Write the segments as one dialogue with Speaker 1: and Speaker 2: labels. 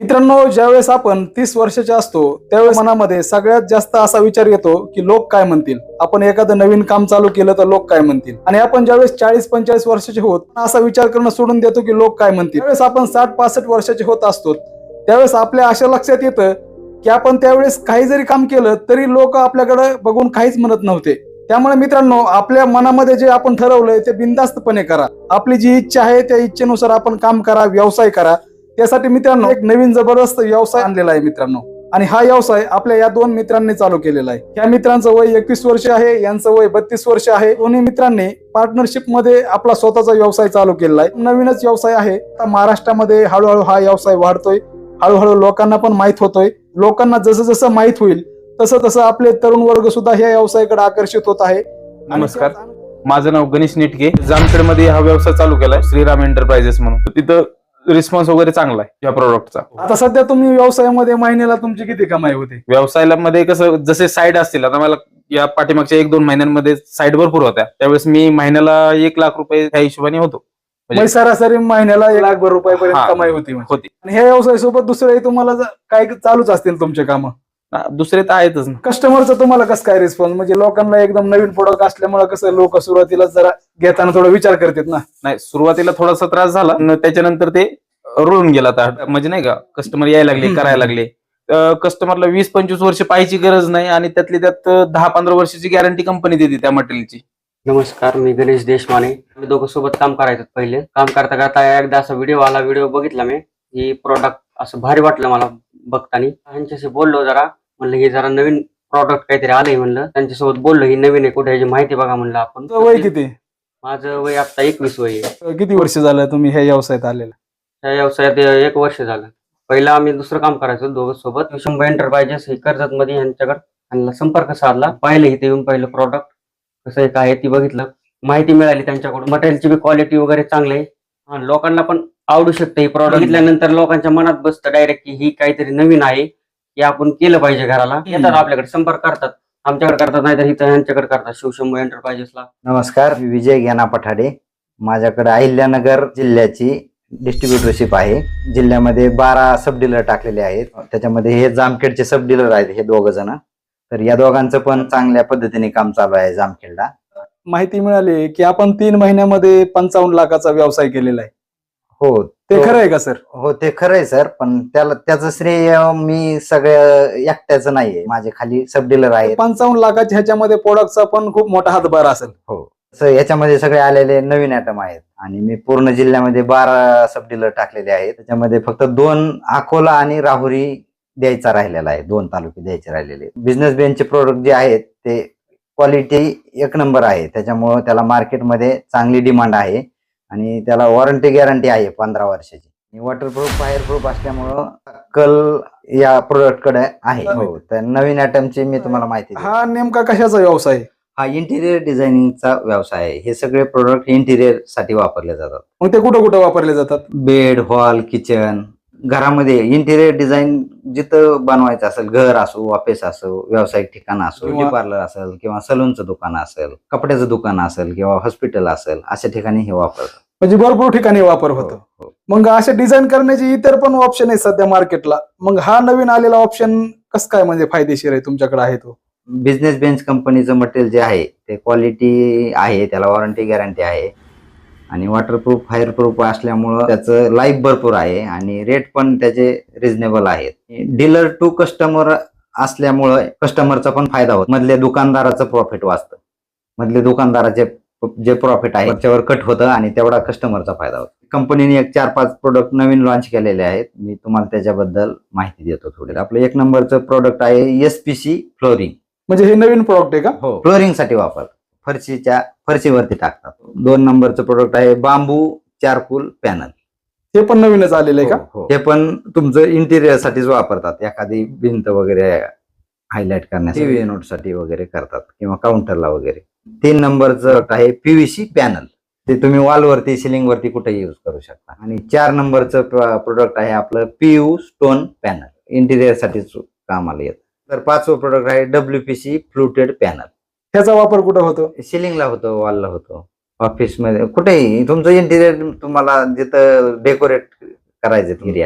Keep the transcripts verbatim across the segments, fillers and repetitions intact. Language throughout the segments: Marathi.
Speaker 1: मित्रांनो, ज्यावेळेस आपण तीस वर्षाचे असतो त्यावेळेस मनामध्ये सगळ्यात जास्त असा विचार येतो की लोक काय म्हणतील. आपण एखादं नवीन काम चालू केलं तर लोक काय म्हणतील. आणि आपण ज्यावेळेस चाळीस पंचेचाळीस वर्षाचे होत असा विचार करणं सोडून देतो की लोक काय म्हणतील. त्यावेळेस आपण साठ पासष्ट वर्षाचे होत असतो त्यावेळेस आपल्या अशा लक्षात येतं की आपण त्यावेळेस काही जरी काम केलं तरी लोक आपल्याकडे बघून काहीच म्हणत नव्हते. त्यामुळे मित्रांनो, आपल्या मनामध्ये जे आपण ठरवलंय ते बिनधास्तपणे करा. आपली जी इच्छा आहे त्या इच्छेनुसार आपण काम करा, व्यवसाय करा. त्यासाठी मित्रांनो एक नवीन जबरदस्त व्यवसाय आणलेला आहे मित्रांनो. आणि हा व्यवसाय आपल्या या दोन मित्रांनी चालू केलेला आहे. या मित्रांचं वय एकवीस वर्ष आहे, यांचं वय बत्तीस वर्ष आहे. दोन्ही मित्रांनी पार्टनरशिप मध्ये आपला स्वतःचा व्यवसाय चालू केलेला आहे. नवीनच व्यवसाय आहे. आता महाराष्ट्रामध्ये हळूहळू हा व्यवसाय वाढतोय, हळूहळू लोकांना पण माहित होतोय. लोकांना जसं जसं माहित होईल तसं तसं आपले तरुण वर्ग सुद्धा ह्या व्यवसायाकडे आकर्षित होत आहे.
Speaker 2: नमस्कार, माझं नाव गणेश निटके. जामखेड मध्ये हा व्यवसाय चालू केलाय, श्रीराम एंटरप्राइजेस म्हणून. तिथं रिस्पॉन्स वगैरे चांगला आहे या प्रोडक्टचा.
Speaker 1: आता सध्या तुम्ही व्यवसायामध्ये महिन्याला तुमची किती कमाई होते?
Speaker 2: व्यवसायामध्ये कसं, जसे साईड असतील, आता मला या पाठीमागच्या एक दोन महिन्यांमध्ये साईड भरपूर होत्या, त्यावेळेस मी महिन्याला एक लाख रुपये त्या हिशोबाने होतो.
Speaker 1: म्हणजे सरासरी महिन्याला एक लाख रुपयापर्यंत कमाई होती
Speaker 2: होती.
Speaker 1: आणि ह्या व्यवसायासोबत दुसरे तुम्हाला काही चालूच असतील तुमचे काम?
Speaker 2: दुसरे तर आहेतच ना.
Speaker 1: कस्टमरचं तुम्हाला कसं काय रिस्पॉन्स? म्हणजे लोकांना एकदम नवीन प्रोडक्ट असल्यामुळे कसं लोक सुरुवातीला जरा घेताना थोडा विचार करतात ना.
Speaker 2: नाही, सुरुवातीला थोडासा त्रास झाला, त्याच्यानंतर ते रुळून गेला. आता म्हणजे नाही का, कस्टमर यायला लागले, करायला लागले. कस्टमरला वीस पंचवीस वर्ष पाहायची गरज नाही आणि त्यातली त्यात दहा पंधरा वर्षाची गॅरंटी कंपनी देते त्या मटेरियलची.
Speaker 3: नमस्कार, मी गणेश देशमाने. आम्ही दोघं सोबत काम करायचं. पहिले काम करता करता एकदा असा व्हिडिओ आला, व्हिडिओ बघितला मी. ही प्रोडक्ट असं भारी वाटलं मला बघताना. ह्यांच्याशी बोललो जरा, म्हणलं हे जरा नवीन प्रॉडक्ट काहीतरी आलंय म्हणलं. त्यांच्यासोबत बोललो, ही नवीन आहे, कुठे ह्याची माहिती बघा म्हणलं आपण.
Speaker 1: वय किती?
Speaker 3: माझं वय आता एकवीस वय आहे.
Speaker 1: किती वर्ष झालं तुम्ही ह्या व्यवसायात आलेला?
Speaker 3: त्या व्यवसायात एक वर्ष झालं. पहिला आम्ही दुसरं काम करायचो दोघं सोबत. शंभर एंटरप्राइजेस हे कर्जत मध्ये, यांच्याकडे त्यांना संपर्क साधला. पाहिलं इथे येऊन पहिलं प्रॉडक्ट कसं आहे काय ती बघितलं, माहिती मिळाली त्यांच्याकडून. मटेरियलची बी क्वालिटी वगैरे चांगली आहे. लोकांना पण आवडू शकते ही प्रॉडक्ट. बघितल्यानंतर लोकांच्या मनात बसतं डायरेक्ट की ही काहीतरी नवीन आहे, की आपण केलं पाहिजे घराला. येतात आपल्याकडे, संपर्क करतात, आमच्याकडे करतात, नाहीतर इथं यांच्याकडे करतात, शिवशंभू एंटरप्राइजेसला.
Speaker 4: नमस्कार, मी विजय ज्ञाना पठाडे. माझ्याकडे अहिल्यानगर जिल्ह्याची डिस्ट्रीब्युटरशिप आहे. जिल्ह्यामध्ये बारा सब डीलर टाकलेले आहेत. त्याच्यामध्ये हे जामखेडचे सब डीलर आहेत, हे दोघ जण. तर या दोघांचं पण चांगल्या पद्धतीने काम चालू आहे जामखेडला.
Speaker 1: माहिती मिळाली की आपण तीन महिन्यामध्ये पंचावन्न लाखाचा व्यवसाय केलेला आहे.
Speaker 4: हो,
Speaker 1: ते खरं आहे का सर?
Speaker 4: हो, ते खरं आहे सर. पण त्याला त्याचं श्रेय मी सगळं एकट्याचं नाहीये, माझे खाली सब डीलर आहेत.
Speaker 1: पंचावन्न लाखाच्या ह्याच्यामध्ये प्रोडक्टचा पण खूप मोठा हातभार असेल.
Speaker 4: हो, याच्यामध्ये सगळे आलेले नवीन आयटम आहेत. आणि मी पूर्ण जिल्ह्यामध्ये बारा सब डीलर टाकलेले आहेत. त्याच्यामध्ये फक्त दोन अकोला आणि राहुरी द्यायचा राहिलेला आहे, दोन तालुके द्यायचे राहिलेले. बिझनेस बेनचे प्रोडक्ट जे आहेत ते क्वालिटी एक नंबर आहे, त्याच्यामुळं त्याला मार्केटमध्ये चांगली डिमांड आहे. आणि त्याला वॉरंटी गॅरंटी आहे पंधरा वर्षाची. वॉटरप्रूफ, फायरप्रूफ असल्यामुळं कल या प्रोडक्ट कडे आहे. हो, तर नवीन आयटमची मी तुम्हाला माहिती देतो.
Speaker 1: हा नेमका कशाचा व्यवसाय आहे?
Speaker 4: हा इंटिरियर डिझायनिंगचा व्यवसाय आहे. हे सगळे प्रोडक्ट इंटिरियर साठी वापरले जातात.
Speaker 1: मग ते कुठं कुठं वापरले जातात?
Speaker 4: बेड, हॉल, किचन, घरामध्ये इंटिरियर डिझाईन जिथं बनवायचं असेल, घर असो, ऑफिस असो, व्यावसायिक ठिकाण असो, ब्युटी पार्लर असेल किंवा सलूनचं दुकान असेल, कपड्याचं दुकान असेल किंवा हॉस्पिटल असेल, अशा ठिकाणी हे वापरतात.
Speaker 1: म्हणजे भरपूर ठिकाणी वापर होतो. मग असे डिझाईन करण्याचे इतर पण ऑप्शन आहेत सध्या मार्केटला. मग हा नवीन आलेला ऑप्शन कसं काय म्हणजे फायदेशीर आहे तुमच्याकडे आहे तो?
Speaker 4: बिझनेस बेंच कंपनीचं मटेरियल जे आहे ते क्वालिटी आहे, त्याला वॉरंटी गॅरंटी आहे. आणि वॉटरप्रूफ, फायरप्रूफ असल्यामुळं त्याचं लाईफ भरपूर आहे आणि रेट पण त्याचे रिझनेबल आहेत. डीलर टू कस्टमर असल्यामुळं कस्टमरचा पण फायदा होतो. मधल्या दुकानदाराचं प्रॉफिट वाचतं. मधले दुकानदाराचे जे प्रॉफिट आहे त्याच्यावर कट होतं आणि तेवढा कस्टमरचा फायदा होतो. कंपनीने एक चार पाच प्रोडक्ट नवीन लॉन्च केलेले आहेत. मी तुम्हाला त्याच्याबद्दल माहिती देतो थोडी. आपलं एक नंबरचं प्रोडक्ट आहे एसपीसी फ्लोरिंग.
Speaker 1: म्हणजे हे नवीन प्रोडक्ट आहे का?
Speaker 4: हो, फ्लोरिंग साठी वापर, फरशीच्या फरशीवरती टाकतात. दोन नंबरचं प्रोडक्ट आहे बांबू चारकोल पॅनल.
Speaker 1: हे पण नवीनच आलेलं आहे का?
Speaker 4: हो, हे पण तुमचं इंटिरियर साठीच वापरतात. एखादी भिंत वगैरे हायलाइट करण्यासाठी, टीव्ही नोट साठी वगैरे करतात किंवा काउंटरला वगैरे. तीन नंबरचं आहे पीव्हीसी पॅनल. ते तुम्ही वॉलवरती, सिलिंग वरती कुठे युज करू शकता. आणि चार नंबरचं प्रोडक्ट आहे आपलं पीयू स्टोन पॅनल, इंटिरियर साठीच कामाला येतं. तर पाचवं प्रोडक्ट आहे डब्ल्यूपीसी फ्लुटेड पॅनल.
Speaker 1: ह्याचा वापर कुठं होतो?
Speaker 4: सिलिंगला होतो, वॉलला होतो, ऑफिसमध्ये, कुठेही तुमचं इंटिरियर तुम्हाला जिथं डेकोरेट करायचं एरिया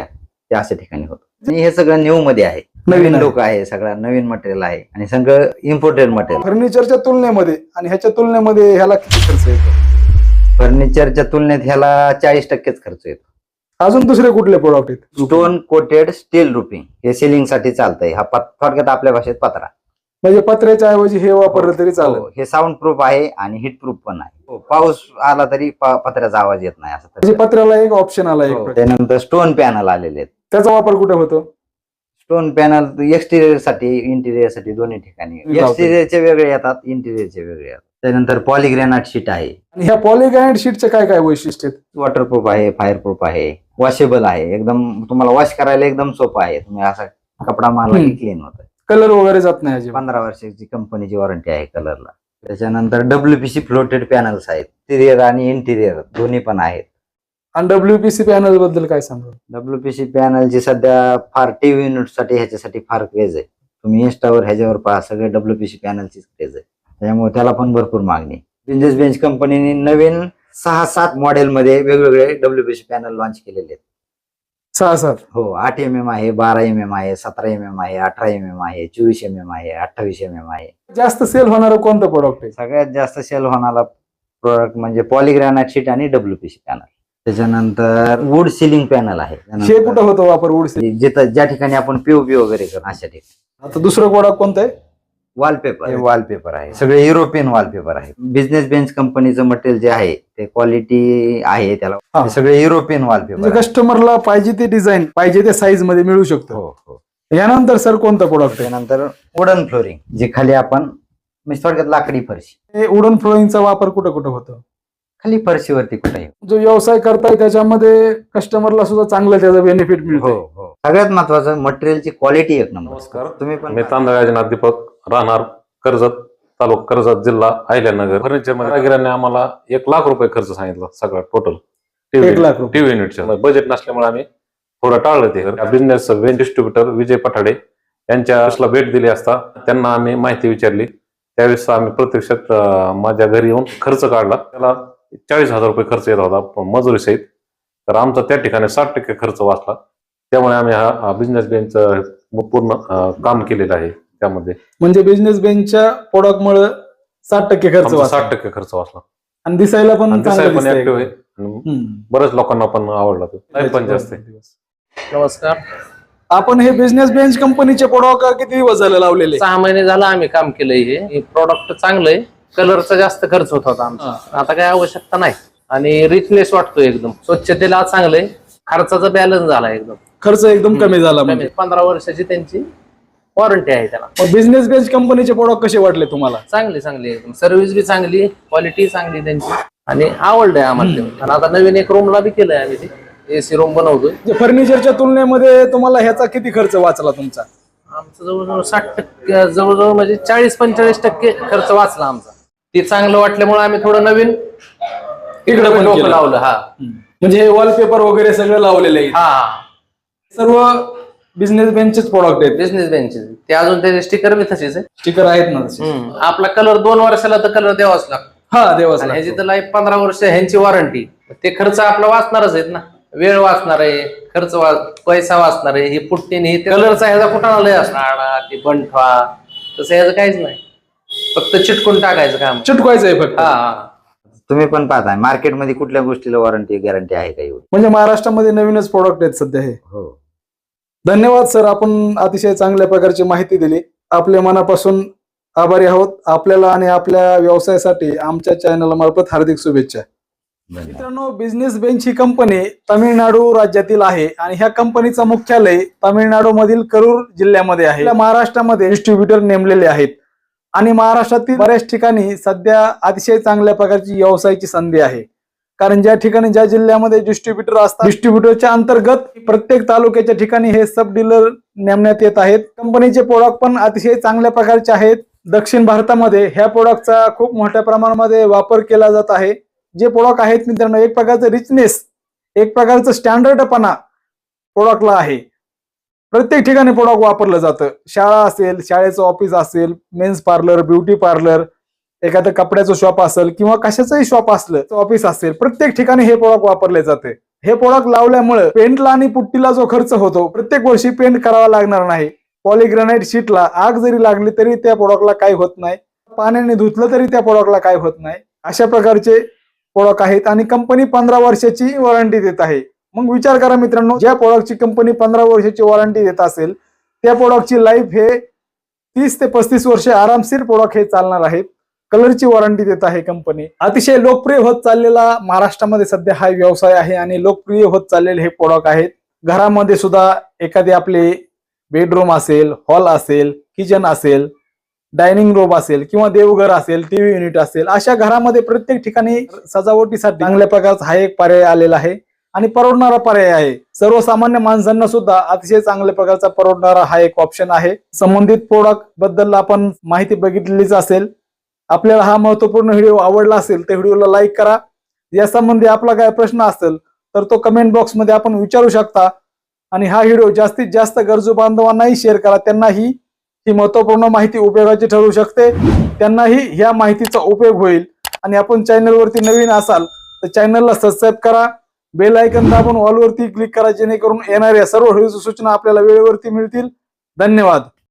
Speaker 4: ते अशा ठिकाणी होतं. आणि हे सगळं न्यू मध्ये आहे,
Speaker 1: नवीन
Speaker 4: नवीन
Speaker 1: आहे.
Speaker 4: लोक आहे, सगळं नवीन मटेरियल आहे आणि सगळं इम्पोर्टेड मटेरियल.
Speaker 1: फर्निचरच्या तुलनेमध्ये आणि ह्याच्या तुलनेमध्ये ह्याला किती खर्च येतो?
Speaker 4: फर्निचरच्या तुलनेत ह्याला चाळीस टक्केच खर्च येतो.
Speaker 1: अजून दुसरे कुठले प्रोडक्ट आहेत?
Speaker 4: स्टोन कोटेड स्टील रुपिंग हे सिलिंग साठी चालतंय. हा पत- थोडक्यात आपल्या भाषेत पत्रा.
Speaker 1: म्हणजे पत्र्याच्या ऐवजी हे वापरलं तरी चालेल.
Speaker 4: हो, हे साऊंड प्रूफ आहे आणि हिट प्रूफ पण आहे. हो, पाऊस आला तरी प- पत्र्याचा आवाज येत नाही असं.
Speaker 1: म्हणजे पत्र्याला एक ऑप्शन आला एक
Speaker 4: हो,
Speaker 1: प्रकार.
Speaker 4: त्यानंतर स्टोन पॅनल आलेले आहेत.
Speaker 1: त्याचा वापर कुठे होतो?
Speaker 4: स्टोन पॅनल एक्सटिरियर साठी इंटिरियर साठी दोन्ही ठिकाणी.
Speaker 1: लावते.
Speaker 4: एक्सटिरियरचे वेगळे येतात, इंटिरियरचे वेगळे येतात. त्यानंतर पॉलिग्रेनाइट शीट आहे,
Speaker 1: आणि ह्या पॉलिग्रानाइट शीटचे काय काय वैशिष्ट्य आहेत?
Speaker 4: वॉटरप्रूफ आहे, फायरप्रूफ आहे, वॉशेबल आहे. एकदम तुम्हाला वॉश करायला एकदम सोपं आहे. तुम्ही असा कपडा मारला की
Speaker 1: हम्म.
Speaker 4: क्लीन होतं.
Speaker 1: कलर वगैरे जात नाही अजिबात.
Speaker 4: पंधरा वर्षाची कंपनीची वॉरंटी आहे कलरला. त्याच्यानंतर डब्ल्यूपीसी फ्लोटेड पॅनल्स आहेत, एक्सटिरियर आणि इंटिरियर दोन्ही पण आहेत.
Speaker 1: आणि डब्ल्यूपीसी पॅनल बद्दल काय सांगा?
Speaker 4: डब्ल्यूपीसी पॅनलची सध्या फार टीव्ही युनिट साठी ह्याच्यासाठी फार क्रेज आहे. तुम्ही इन्स्टावर ह्याच्यावर पहा, सगळे डब्ल्यूपीसी पॅनलचीच क्रेज आहे. त्यामुळे त्याला पण भरपूर मागणी. बिझनेस बेंच कंपनीने नवीन सहा सात मॉडेल मध्ये वेगवेगळे डब्ल्यूपीसी पॅनल लॉन्च केलेले आहेत.
Speaker 1: सहा सात
Speaker 4: हो, आठ एम एम आहे, बारा एम एम आहे, सतरा एम एम आहे, अठरा एम एम आहे, चोवीस एम एम आहे, अठ्ठावीस एम एम आहे.
Speaker 1: जास्त सेल होणार कोणतं प्रोडक्ट आहे?
Speaker 4: सगळ्यात जास्त सेल होणारा प्रोडक्ट म्हणजे पॉलिग्रॅनाइट शीट आणि डब्ल्यूपीसी पॅनल. त्याच्यानंतर वुड सिलिंग पॅनल आहे.
Speaker 1: हे कुठं होतं वापर? Wood seal?
Speaker 4: जिथं ज्या ठिकाणी आपण पीओपी वगैरे करतो अशा ठिकाणी.
Speaker 1: आता दुसरं प्रोडक्ट कोणतं आहे?
Speaker 4: वॉलपेपर वॉलपेपर आहे, सगळे युरोपियन वॉलपेपर आहे. बिझनेस बेंच कंपनीचं मटेरियल जे आहे ते क्वालिटी आहे त्याला.
Speaker 1: हा.
Speaker 4: हे सगळे युरोपियन
Speaker 1: म्हणजे
Speaker 4: वॉलपेपर.
Speaker 1: कस्टमरला पाहिजे ते डिझाईन पाहिजे त्या साईज मध्ये मिळू शकतो.
Speaker 4: हो हो.
Speaker 1: यानंतर सर कोणतं प्रोडक्ट आहे?
Speaker 4: त्यानंतर वुडन फ्लोरिंग, जे खाली आपण म्हणजे थोडक्यात लाकडी फरशी.
Speaker 1: हे वुडन फ्लोरिंगचा वापर कुठं कुठं होतो?
Speaker 4: खाली फरशीवरती कुठेही.
Speaker 1: जो व्यवसाय करताय त्याच्यामध्ये कस्टमरला सुद्धा चांगलं त्याचा बेनिफिट
Speaker 4: हो
Speaker 1: मिळतो.
Speaker 4: हो. सगळ्यात महत्वाचं मटेरियलची क्वालिटी एक नंबर.
Speaker 5: नमस्कार.
Speaker 4: तुम्ही पण
Speaker 5: मी तांदळाजनाथ दीपक, राहणार कर्जत, तालुका कर्जत, जिल्हा अहिल्यानगर. फर्निचर मध्ये आम्हाला एक लाख रुपये खर्च सांगितला सगळा टोटल.
Speaker 1: एक लाख रुपये.
Speaker 5: टीव्ही युनिटच्या बजेट नसल्यामुळे आम्ही थोडं टाळलं ते. बिझनेस डिस्ट्रीब्युटर विजय पठाडे यांच्या भेट दिली असता त्यांना आम्ही माहिती विचारली. त्यावेळेस आम्ही प्रत्यक्षात अं, माझ्या घरी येऊन खर्च काढला. त्याला चाळीस हजार रुपये खर्च येत होता मजुरी सहित. तर आमचा त्या ठिकाणी साठ टक्के खर्च वाचला. त्यामुळे आम्ही हा बिझनेस बेंचचं पूर्ण अं, काम केलेलं आहे. त्यामध्ये
Speaker 1: म्हणजे बिझनेस बेंचच्या प्रोडक्ट मुळे साठ टक्के खर्च
Speaker 5: आमचा
Speaker 1: वाचला.
Speaker 5: साठ टक्के खर्च वाचला.
Speaker 1: आणि दिसायला पण
Speaker 5: आणि
Speaker 1: चांगलं
Speaker 5: दिसायला पण
Speaker 1: दिसतंय.
Speaker 5: ऍक्टिव्ह आहे आणि
Speaker 1: हम्म.
Speaker 5: बऱ्याच लोकांना पण आवडला तो. लाईफ पण जास्त आहे.
Speaker 6: नमस्कार.
Speaker 1: आपण हे बिझनेस बेंच कंपनीचे प्रोडक्ट किती दिवस झाले लावलेले?
Speaker 6: सहा महिने झालं आम्ही काम केलंय. हे प्रॉडक्ट चांगलं आहे. कलरचा जास्त खर्च होत होता आमचा, आता काही आवश्यकता नाही. आणि रिचनेस वाटतो एकदम. स्वच्छतेला चांगलंय. खर्चाचा बॅलन्स झाला एकदम.
Speaker 1: खर्च एकदम कमी झाला. म्हणजे
Speaker 6: पंधरा वर्षाची त्यांची वॉरंटी आहे त्याला.
Speaker 1: बिझनेस बेंच कंपनीचे प्रोडक्ट कसे वाटले तुम्हाला?
Speaker 6: चांगली चांगली एकदम. सर्व्हिस बी चांगली, क्वालिटी चांगली त्यांची आणि आवडलंय आम्हाला. आणि आता नवीन एक रूमला बी केलंय आम्ही ते एसी रूम बनवतोय.
Speaker 1: फर्निचरच्या तुलनेमध्ये तुम्हाला ह्याचा किती खर्च वाचला तुमचा?
Speaker 6: आमचं जवळजवळ साठ टक्के जवळजवळ म्हणजे चाळीस पंचेचाळीस टक्के खर्च वाचला आमचा. ते चांगलं वाटल्यामुळे आम्ही थोडं नवीन
Speaker 1: इकडे पण
Speaker 6: डोकं
Speaker 1: केलं.
Speaker 6: लावलं. हा
Speaker 1: म्हणजे हे वॉलपेपर वगैरे सगळं लावलेलं आहे.
Speaker 6: हा
Speaker 1: सर्व बिझनेस बेंचचेच प्रोडक्ट आहेत.
Speaker 6: बिझनेस बेंचेस ते अजून त्याचे स्टिकर बी तसेच आहे.
Speaker 1: स्टिकर आहेत ना तसे?
Speaker 6: हम्म. आपला कलर दोन वर्षाला तर कलर द्यावाच लागतो.
Speaker 1: हा देवाच
Speaker 6: आणि ह्याची
Speaker 1: लागतो.
Speaker 6: तर लाईफ पंधरा वर्ष ह्यांची वॉरंटी. ते खर्च आपला वाचणारच आहेत ना. वेळ वाचणार आहे, खर्च वा पैसा वाचणार आहे. ही पुट्टीने ही कलरचा ह्याचा कुठं लय असणार ते बंठवा तसं ह्याचं काहीच नाही. फक्त चिटकून टाकायचं काम.
Speaker 1: चिटकवायचं आहे फक्त.
Speaker 6: हा हा.
Speaker 4: तुम्ही पण पाहताय मार्केटमध्ये कुठल्या गोष्टीला वॉरंटी गॅरंटी आहे का एवढी?
Speaker 1: म्हणजे महाराष्ट्रामध्ये नवीनच प्रोडक्ट आहेत सध्या हे.
Speaker 4: हो.
Speaker 1: धन्यवाद सर, आपण अतिशय चांगल्या प्रकारची माहिती दिली. आपल्या मनापासून आभारी आहोत. आपल्याला आणि आपल्या व्यवसायासाठी आमच्या चॅनल मार्फत हार्दिक शुभेच्छा.
Speaker 4: धन्यवाद.
Speaker 1: मित्रांनो, बिझनेस बेंच ही कंपनी तामिळनाडू राज्यातील आहे आणि ह्या कंपनीचं मुख्यालय तामिळनाडू मधील करूर जिल्ह्यामध्ये आहे. आपल्या महाराष्ट्रामध्ये डिस्ट्रीब्युटर नेमलेले आहेत आणि महाराष्ट्रातील बऱ्याच ठिकाणी सध्या अतिशय चांगल्या प्रकारची व्यवसायाची संधी आहे. कारण ज्या ठिकाणी ज्या जिल्ह्यामध्ये डिस्ट्रीब्युटर असतात, डिस्ट्रीब्युटरच्या अंतर्गत प्रत्येक तालुक्याच्या ठिकाणी हे सब डीलर नेमण्यात येत आहेत. कंपनीचे प्रोडक्ट पण अतिशय चांगल्या प्रकारचे आहेत. दक्षिण भारतामध्ये ह्या प्रोडक्टचा खूप मोठ्या प्रमाणामध्ये वापर केला जात आहे. जे प्रोडक्ट आहेत मित्रांनो, एक प्रकारचं रिचनेस, एक प्रकारचं स्टँडर्डपणा प्रोडक्टला आहे. प्रत्येक ठिकाणी प्रोडक्ट वापरलं जातं. शाळा असेल, शाळेचं ऑफिस असेल, मेन्स पार्लर, ब्युटी पार्लर, एखादं कपड्याचं शॉप असेल किंवा कशाचंही शॉप असलं, ऑफिस असेल, प्रत्येक ठिकाणी हे प्रोडक्ट वापरले जाते. हे प्रोडक्ट लावल्यामुळे पेंटला आणि पुट्टीला जो खर्च होतो प्रत्येक वर्षी पेंट करावा लागणार नाही. पॉलीग्रेनाइट शीटला आग जरी लागली तरी त्या प्रोडक्टला काही होत नाही. पाण्याने धुतलं तरी त्या प्रोडक्टला काही होत नाही. अशा प्रकारचे प्रोडक्ट आहेत आणि कंपनी पंधरा वर्षाची वॉरंटी देत आहे. मग विचार करा मित्रांनो, ज्या प्रोडक्टची कंपनी पंधरा वर्षाची वॉरंटी देत असेल त्या प्रोडक्टची लाईफ हे तीस ते पस्तीस वर्ष आरामशीर प्रोडक्ट हे चालणार आहेत. कलरची वॉरंटी देत आहे कंपनी. अतिशय लोकप्रिय होत चाललेला महाराष्ट्रामध्ये सध्या हा व्यवसाय आहे आणि लोकप्रिय होत चाललेले हे प्रोडक्ट आहेत. घरामध्ये सुद्धा एखादी आपले बेडरूम असेल, हॉल असेल, किचन असेल, डायनिंग रूम असेल किंवा देवघर असेल, टीव्ही युनिट असेल, अशा घरामध्ये प्रत्येक ठिकाणी सजावटीसाठी चांगल्या प्रकारचा हा एक पर्याय आलेला आहे आणि परवडणारा पर्याय आहे. सर्वसामान्य माणसांना सुद्धा अतिशय चांगल्या प्रकारचा परवडणारा हा एक ऑप्शन आहे. संबंधित प्रोडक्ट बद्दल आपण माहिती बघितलीच असेल. आपल्याला हा महत्वपूर्ण व्हिडिओ आवडला असेल तर व्हिडिओला लाईक करा. या संबंधी आपला काय प्रश्न असेल तर तो कमेंट बॉक्स मध्ये आपण विचारू शकता आणि हा व्हिडिओ जास्तीत जास्त गरजू बांधवांनाही शेअर करा. त्यांनाही ही महत्वपूर्ण माहिती उपयोगाची ठरू शकते. त्यांनाही ह्या माहितीचा उपयोग होईल. आणि आपण चॅनलवरती नवीन असाल तर चॅनलला सबस्क्राईब करा, बेल आयकॉन दाबून ऑल वरती क्लिक करा जेणेकरून येणाऱ्या सर्व व्हिडिओच्या सूचना आपल्याला वेळेवरती मिळतील. धन्यवाद.